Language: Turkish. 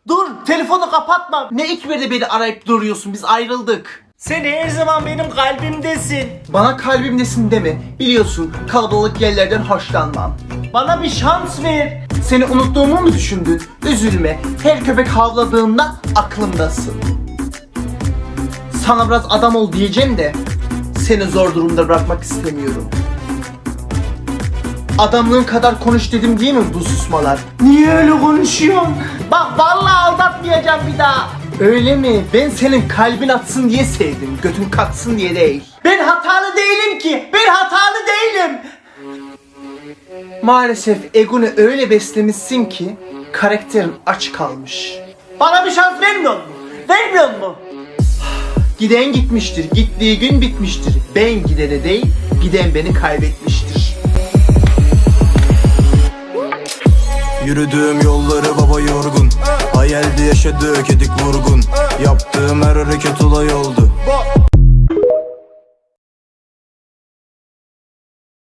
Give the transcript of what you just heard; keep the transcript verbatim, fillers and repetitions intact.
Dur, telefonu kapatma. Ne ikberde beni arayıp duruyorsun, biz ayrıldık. Sen her zaman benim kalbimdesin. Bana kalbimdesin deme. Biliyorsun kalabalık yerlerden hoşlanmam. Bana bir şans ver. Seni unuttuğumu mu düşündün? Üzülme. Her köpek havladığında aklımdasın. Sana biraz adam ol diyeceğim de seni zor durumda bırakmak istemiyorum. Adamlığın kadar konuş dedim değil mi bu susmalar? Niye öyle konuşuyorsun? Bak vallahi aldatmayacağım bir daha. Öyle mi? Ben senin kalbin atsın diye sevdim. Götün katsın diye değil. Ben hatalı değilim ki. Ben hatalı değilim. Maalesef egonu öyle beslemişsin ki karakterin aç kalmış. Bana bir şans vermiyor mu? Vermiyor mu? Giden gitmiştir, gittiği gün bitmiştir. Ben gidene değil, giden beni kaybetmiştir. Yürüdüğüm yolları baba yorgun. Hayalde yaşadık edik vurgun. Yaptığım her hareket olay oldu.